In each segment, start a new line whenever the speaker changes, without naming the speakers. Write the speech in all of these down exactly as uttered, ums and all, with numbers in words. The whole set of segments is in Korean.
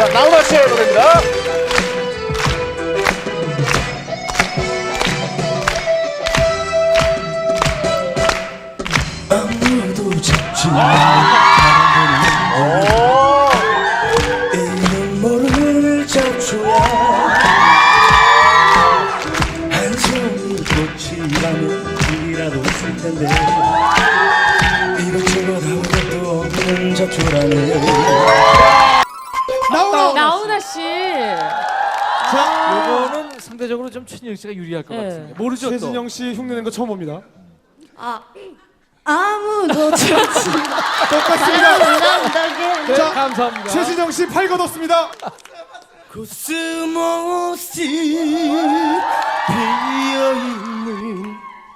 자, 나훈아 씨의 노래입니다.
아무도 잡지 않는 이는 모를 잡초야 한 송이 꽃이라면 이라도 있을 텐데 이것저것 아무것도 없는 잡초라네.
나훈아.
나훈아 씨.
자, 요거는 상대적으로 좀 최진영 씨가 유리할 것
네.
같습니다. 모르죠 또.
최진영 씨 흉내낸 거 처음 봅니다.
아, 아무도 좋지
똑같습니다.
네,
자,
감사합니다.
최진영 씨 팔 걷었습니다.
코스모스 피어있는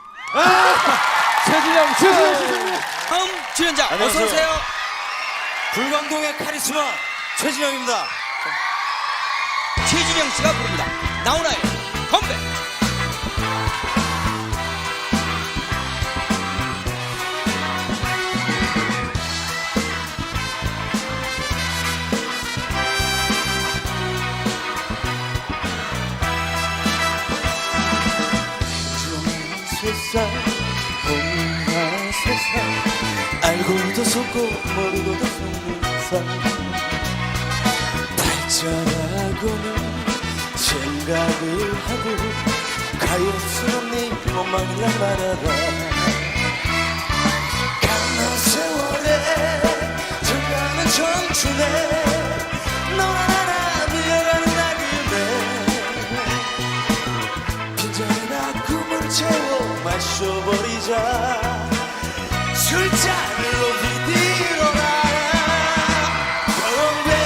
최진영 씨.
최진영 씨 승리.
다음 출연자 어서 오세요. 불광동의 카리스마 최진영입니다. 최진영 씨가 부릅니다. 나훈아의 컴백.
세상 온갖 세상 알고도 속고 모르고도 속는 상 발전하고는 생각을 하고 가엾은 네 몸만이란 말아라. 가는 세월에 정가는 청춘에 너나 나나 밀려가는 나그네 빈잔이나 꿈을 채워 마셔버리자. 술잔을 높이 들어라. 컴백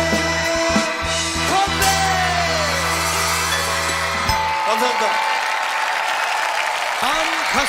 컴백. 감사합니다.
다음 가수